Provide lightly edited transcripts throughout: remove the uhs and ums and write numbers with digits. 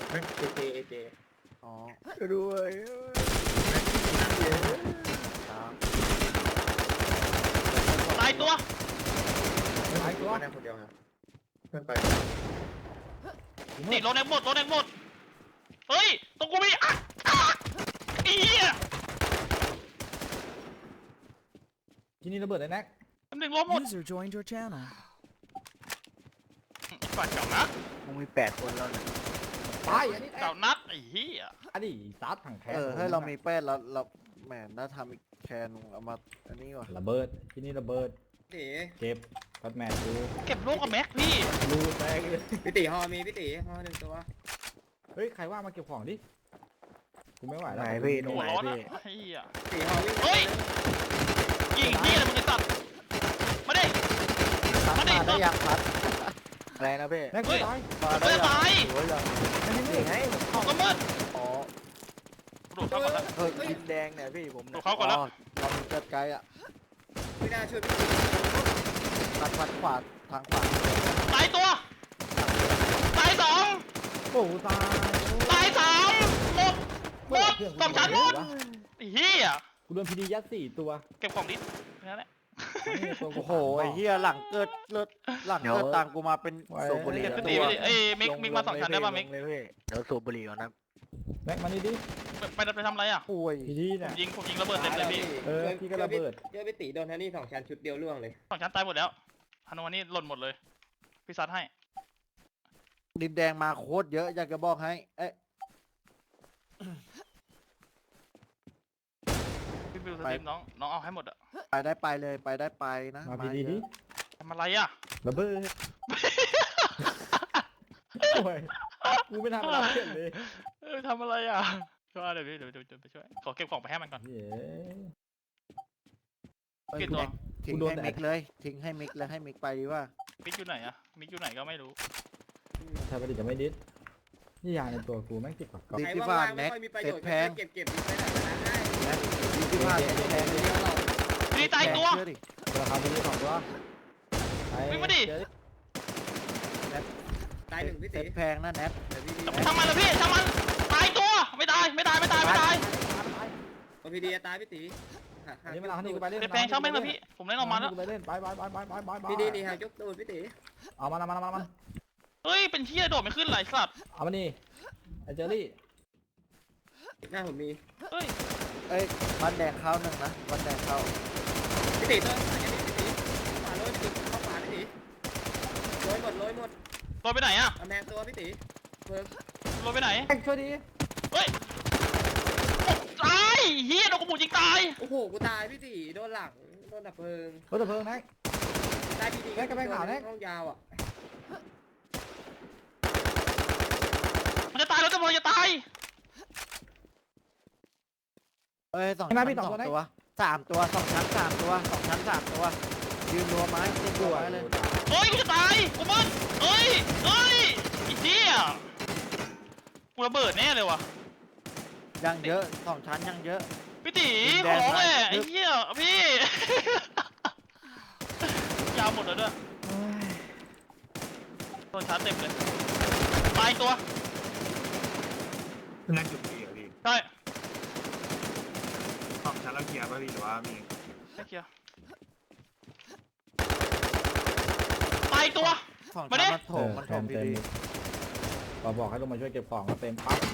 ไม่เจอ๋อด้วยตายตัวหายตัวมาได้คนเดียวครับเพื่อนไปติดรถแดงหมดเฮ้ยตรงกูมีอีเหี้ยที่นี่ระเบิดเลยแน็กตำแหน่งล้มหมด User joined your channel. ฝ่ายเก่านักมึงมี8 คนแล้วเนี่ยตายอันนี้เก่านักไอ้เหี้ยอันนี้ซัดถังแทนให้เรามี8เราแหมน่าทำอีกแคนเอามาอันนี้ก่อนระเบิดที่นี่ระเบิดพี่เก็บพัดแมนดูเก็บลูกกับแม็กพี่รูแตกเลยพี่ตีฮอมีพี่ตีฮอหนึ่งตัวเฮ้ยใครว่ามาเก็บของดิกูไม่ไหวแล้วไหนพี่หัวร้อนอะไอ้เหี้ยตีฮอวิ่งเฮ้ยยิงเหี้ยอะไรมึงไอ้สัตว์มาดิพัดมาดิมาได้ยังพัดอะไรนะพี่แน็กเฮ้ยตายมาได้ยังตายสวยยังนี่ไงของก็มืดอ๋อโดดเข้าก่อนละดินแดงเนี่ยพี่ผมดูเขาก่อนแล้วเรามีเกิดไกลอ่ะไม่น่าช่วยพี่ตีพัดขวาทางขวาตายตัวตายสองโอ้ตายตายสามหมดสองชั้นหมดไอ้เหี้ยกูโดนพีดียัด4 ตัวเก็บของดินั่นแหละโอ้โหไอ้เหี้ยหลังเกิดเลือดหลังเกิดตังกูมาเป็นสูบบุหรี่เก็บแล้วพี่ตีพี่ตีเอ้ยมิกมาสองชั้นได้ป่ะมิกเลยพี่เดี๋ยวสูบบุหรี่ก่อนนะแน็กมานี่ดิไปทำอะไรอ่ะป่วยพีดีเนี่ยผมยิงระเบิดเต็มเลยพี่พี่ก็ระเบิดเจอพี่ตีโดนแทนนี่2 ชั้นชุดเดียวล่วงเลยสองชั้นตายหมดแล้วฮานวันนี้หล่นหมดเลยพี่ซัดให้ดินแดงมาโคตรเยอะอยากจะบอกให้เอ๊ะพี่บิวสตรีมน้องเอาให้หมดอะไปได้ไปเลยไปได้ไปนะมาพีดีดิทำอะไรอ่ะระเบิดโอ้ยกูไม่ทำอะไรเลยทำอะไรอ่ะช่วยเดี๋ยวพี่เดี๋ยวไปช่วยขอเก็บของไปให้มันก่อนเย้เอ้ยกี่ตัวทิ้งกูโดนให้แต่มิกเลยทิ้งให้มิกแล้วให้มิกไปดีว่ามิกอยู่ไหนอ่ะมิกอยู่ไหนก็ไม่รู้ถ้าปฏิจะไม่ดิสนี่ยาในตัวกูแม่งติดกับกอบดิใครที่ว่าบ้านไม่แน็กค่อยมีประเซ็โยตชน์แพงเก็บไปใช้หลังนั้นได้แน็กดิที่บ้านเซ็ตแพงเลยพี่ตายตัวเชื่อดิราคาพีดี2 ตัววิ่งมาดิตายหนึ่งพี่เซ็ตีตแพงนะแน็กเดี๋ยวพี่ดีทำมันเลยพี่ทำมันตายตัวไม่ตายโอพีดีตายพี่ตีอันนี้มาเอานี่กูไปเล่นเด็ดแพงช่างแม่งเลยพี่ผมเล่นออกมาแล้วไปเล่นไปพี่ดีนี่หายกตูดพี่ตีเอามันเฮ้ยเป็นเชี่ยโดดไม่ขึ้นไหลสัตว์เอามานี่ไอเจอรี่หน้าผมมีเฮ้ยเอ้ยบันแดงเข้าหนึ่งนะบันแดงเข้าพี่ตีตัวอันนี้พี่ตีขวาโรยพี่ตีเข้าขวาพี่ตีโรยหมดโดนไปไหนอ่ะกำแพงตัวพี่ตีเพิ่มโดนไปไหนช่วยดีเฮ้ยตายเฮียโดนกระบุกยิงตายโอ้โหกูตายพี่ตีโดนหลังโดนดับเพลิงรถดับเพลิงนะได้พี่ตีแม็กกับแม็กขาวแม็กห้องยาวอ่ะมันจะตายแล้วจะบอกจะตายเอ้ย2 ชั้น 2 ตัว3 ตัว2 ชั้น 3 ตัว2 ชั้น 3 ตัวยืนรัวไม้ยืนรัวไม้เลยเฮ้ยกูจะตายกูมึนเฮ้ยอีเหี้ยกูระเบิดแน่เลยว่ะยังเยอะ2 ชั้นยังเยอะพี่ตีดินขแดอง ร้องมาเลยไอ้เหี้ยพี่ ยาวหมดแล้วด้วยโดนชาร์จเต็มเลยตายตัวนั่งจุดเกียร์พี่ใช่ของชั้นเราเคลียร์ป่ะพี่หรือว่ามีไม่เคลียร์ตายตัว 2 มาดิชั้นมันโถมดีบอกให้ลงมาช่วยเก็บของก็เต็มปั๊บ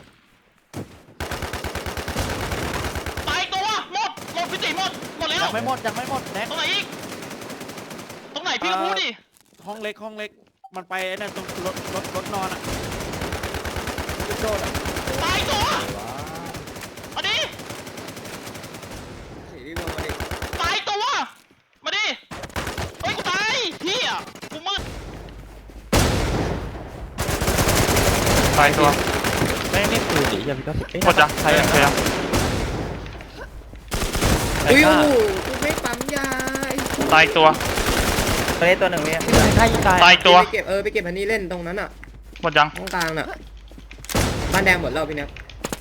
ตายตัวหมดพี่ตีหมดแล้ยัวงไม่หมดแน็กตรงไหนอีกตรงไหนพี่ก็พูดดิห้องเล็กมันไปนั่นตรงรถนอนอ่ะโดดอ่ะตายตัวว้ามาดิพี่ตีลงมาดิตายตัวมาดิเฮ้ยกูตายเฮียกูมืดตายตัวไม่นี่คือดิอย่าพี่ก็สิหมดจ้ะใครอ่ะอุ้ยโอ้โหกูไม่ปั๊มยาตายตัวตัวนี้ตัวหนึ่งเนี่ยถ้ายิงตายตายตัวไปเก็บไปเก็บอันนี้เล่นตรงนั้นอ่ะหมดยังห้องกลางน่ะบ้านแดงหมดแล้วพี่เนี่ย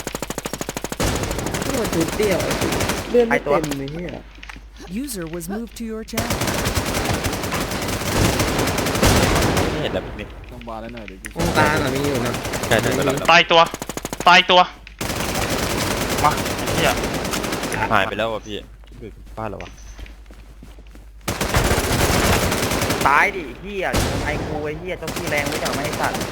โอ้จุดเดียวเลื่อนไม่เต็มเลยเนี่ย User was moved to your channel. ไม่เห็นแล้วพี่ตรงบาร์ได้หน่อยเดี๋ยวตรงกลางอะมีอยู่นะใช่ใช่ไปแล้วตายตัวตายตัวมาไอ้เหี้ยหายไปแล้วว่ะพี่อยู่บ้านแล้ววะตายดิเฮียไอ้กูไอ้เฮียเจ้าที่แรงไม่ได้ไม่ให้สัตว์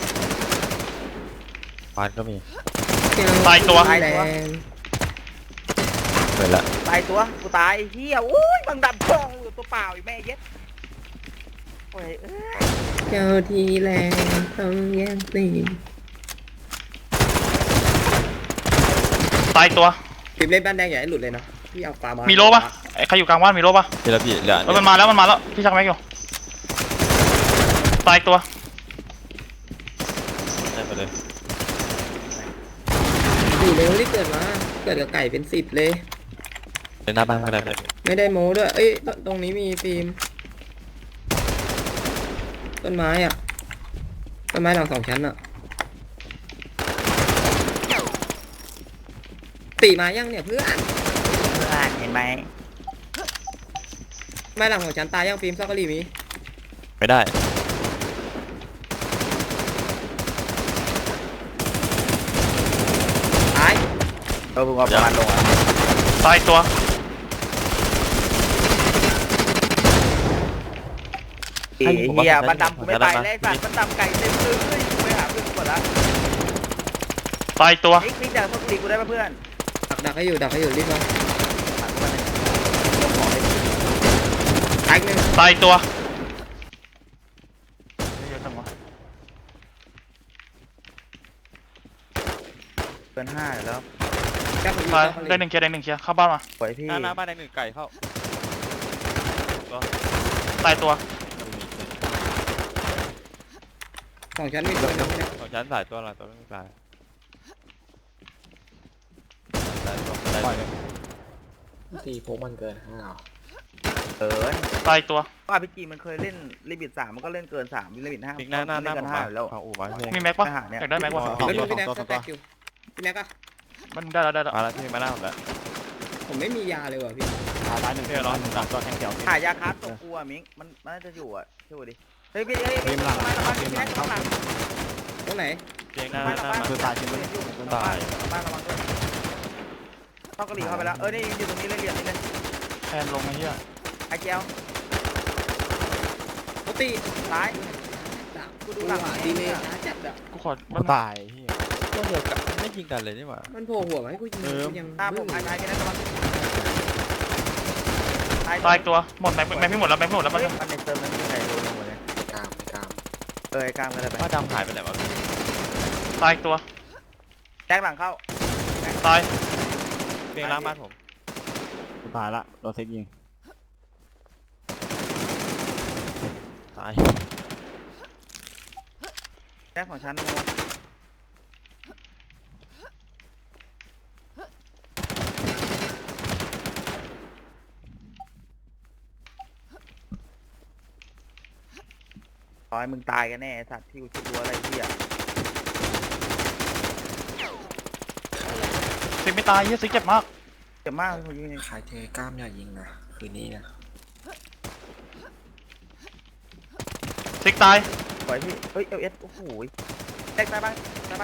บ้านก็มีตายตัวแรงเปิดละตายตัวกูตายไอ้เฮียโอ้ยบังดับทองอยู่ตัวเปล่าอีกแม่เย็ดโอ้ยเอ้ยเจ้าที่แรงต้องแย่งซีนตายตัวฟิล์มเล่นบ้านแดงอย่าให้หลุดเลยนะพี่เอาปลามามีมีโลปะไอ้ใครอยู่กลางบ้านมีโลปะพี่ละพี่เหลือเออมันมาแล้วพี่ชักแม็กอยู่ตายตัวได้ไปเลยสี่เร็วที่เกิดมาเกิดกับไก่เป็น10เลยเล่นหน้าบ้านก็ได้ไปไม่ได้โม้ด้วยเอ้ยตรงนี้มีฟิล์มต้นไม้อะต้นไม้หลัง2 ชั้นอะตีมายังเนี่ยเพื่อนเพื่อนเห็นไหมไม้หลัง2 ชั้นตายยังฟิล์มซอกกะหรี่มีไม่ได้ตายเออเพิ่งเอาประมาณลงอ่ะตายตัวไอ้เฮียบันดำกูไม่ไปแล้วไอ้สัตว์บันดำไก่เต็มมือเฮ้ยกูไปหาเพื่อนกูหมดละตายตัวไอ้ฟิกจากพวกกูดีกูได้ปะเพื่อนดักให้อยู่รีบมาหากูมาเลยยกของเลยตายอีกหนึ่งตายตัวเยอะจังวะเกิน5แล้วแก้ผมตายอยู่ได้หนึ่งเคลียร์เข้าบ้านมาปล่อยพี่หน้าบ้านได้หนึ่งไก่เข้าตายตัว 2 ชั้นมีตัวหนึงนะสองชั้นสายตัวละตัวไม่ตายได้ตัวได้ตีพกมันเกิน5หรอเกินตายตัวว่าพี่จีมันเคยเล่นลิมิต3มันก็เล่นเกิน3ลิมิต5 ทิ้งหน้าผมเกินมา 5แล้วเอาอู่มาพี่มีแม็กปะไปหาเนี่ยอยากได้แม็กปะแล้วดูพี่แน็กก็แตกอยู่พี่แน็กอะมันได้แล้วมาแล้วพี่มาหน้าผมแล้วผมไม่มียาเลยว่ะพี่ตายหนึ่งเพื่อนร้อนสามตัวแข่งเขียวหายาคัสตัวกูอ่ะมิงมันน่าจะอยู่อ่ะช่วยดิเฮ้ยพี่เฮ้ยพี่หลังพี่แน็กข้างหลังตรงไหนเพียงหน้าหน้ามาคือตายชิ้นบ้านระวังด้วยเข้ากระดิ่งเข้าไปแล้วนี่อยู่ตรงนี้เลยเหลี่ยมนี่เลยแทนลงไอ้เหี้ยไอ้เจียวปกติซ้ายกูดูหลังดีเลยช้าจัดอะกูขอตายเฮียตัวเดียวกันไม่ยิงกันเลยนี่หว่ามันโผล่หัวมาให้กูยิงกูยังตามผมไอ้พี่แน็กระวังตายตัวหมดแม็กไม่หมดแล้วแม็กหมดแล้วมัมัน นในเติมมันมีใครรู้หมดเลยกลางกลางกล้ามก็ได้ไปว่าดำหายไปไหนวะตายตัวแจ็คหลังเข้าตายเพียงล้างบ้านผมตายละโดนเซ็กยิงตายแจ็คของฉันขอให้มึงตายกันแน่สัตว์ที่กูคิดดูอะไรที่อ่ะซิกไม่ตายเหี้ยซิกเจ็บมากเจ็บมากเลยยิงใครเทกล้ามอย่ายิงนะคืนนี้นะซิกตายปล่อยพี่เฮ้ยเอสโอ้โหแจ็คตายบ้าง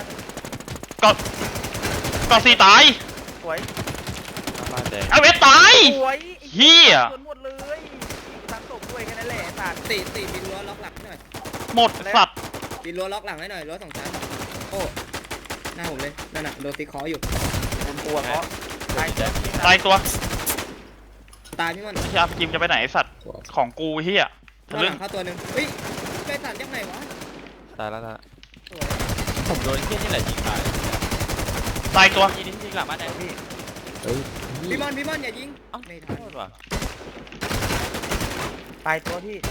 ก่อสี่ตายสวยบ้านแดงเอาเวสตายสวยเหี้ยส่วนหมดเลยตั้งศพด้วยแค่นั้นแหละสัตว์ตีบินรั้วล็อกหลังให้หน่อยหมดสัตว์บินรั้วล็อกหลังให้หน่อยรั้ว2 ชั้นโอ้หน้าผมเลยนั่นน่ะโดนตีคออยู่บนตัวเพราะตายแดงตายตัวตายพี่มันพี่อาร์มจิมจะไปไหนไอ้สัตว์ของกูเหี้ยรั้วหเรื่องลังเข้าตัวหนึงเฮ้ยไปสั่นยังไงวะตายแล้วนะสวยผมโดนเกี้ยนี่แหละยิงตายตายตัวยิงนี่ยิงหลังบ้านแดงพี่เฮ้ยพี่มอนอย่ายิงเอ้าไม่โททันษว่ะตายตัวที่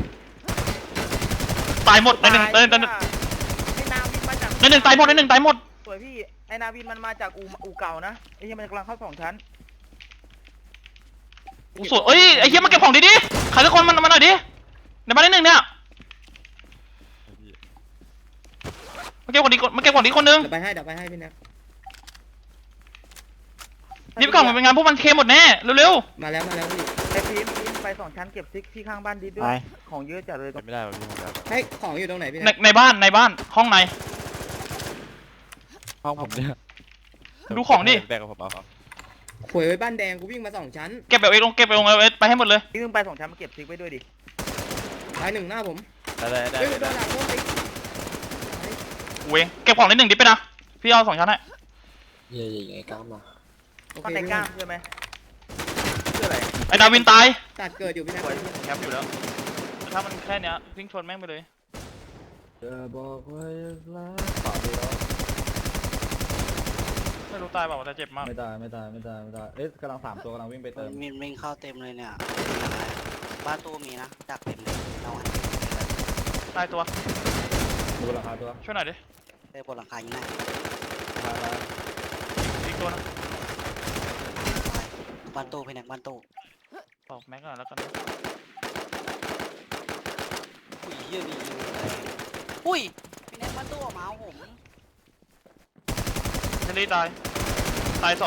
ตายหมดในหนึ่งไอ้นาวินมาจากในหนึ่งตายหมดในหนึ่งตายหมดสวยพี่ไอ้นาวินมันมาจากอู่เก่านะไอ้ที่มันกำลังเข้า2 ชั้นกูสวยเอ้ยไอ้เหี้ยมาเก็บของดิใครสักคนมันมาหน่อยดิในบ้านในหนึ่งเนี่ยมาเก็บของดิคนนึงเดี๋ยวไปให้พี่แน็กรีบกล่องมันเป็นงานพวกมันเคหมดแน่เร็วมาแล้วพี่ไอ้พีมไป2 ชั้นเก็บซิกที่ข้างบ้านดิดด้วไปยของเยอะจัดเลยเป็นไม่ได้มันพี่ครับให้ของอยู่ตรงไหนพี่ในในบ้านห้องในห้องผมเนี่ยดูของดิแบ่งกับผมเอาหวยไว้บ้านแดงกูวิ่งมา2 ชั้นเก็บแบบเอ็กลงเก็บไปลงเอาไปให้หมดเลยพี่มึงไป2 ชั้นมาเก็บซิกไว้ด้วยดิตายหนึ่งหน้าผมได้เฮ้ยโดนหลังโดนไปเวงเก็บของนิดหนึ่งดิไปนะพี่เอา2 ชั้นให้โอมันเคในกล้ามใช่ไหมเชื่ออะไรไอ้ดาวินตายตัดเกิดอยู่พี่นะแคปอยู่แล้วแต่ถ้ามันแค่เนี้ยวิ่งชนแม่งไปเลยจะบอกว่ารักเปล่าดีแล้วไม่รู้ตายเปล่าแต่เจ็บมากไม่ได้เอ๊ะกำลัง3 ตัวกำลังวิ่งไปเติมมินเข้าเต็มเลยเนี่ยบ้านตู้มีนะดักเต็มเลยเราให้ตายตัวดูราคาตัวช่วยหน่อยดิไปบนหลังคายิงได้อีกตัวนะบ้านตู้พี่แน็กบ้านตู้ตอกแม็กก่อนแล้วกันอุ้ยเฮียมีอุ้ยพี่แน็กบ้านตู้ออกมาเอาผมเฮนรี่ตาย2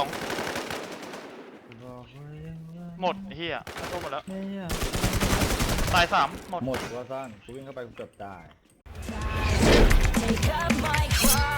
หมดไอ้เฮียเข้าตัวหมดแล้วตาย3หมดหมดว่าสั้นกูวิ่งเข้าไปกูเกือบตาย Take up my cross.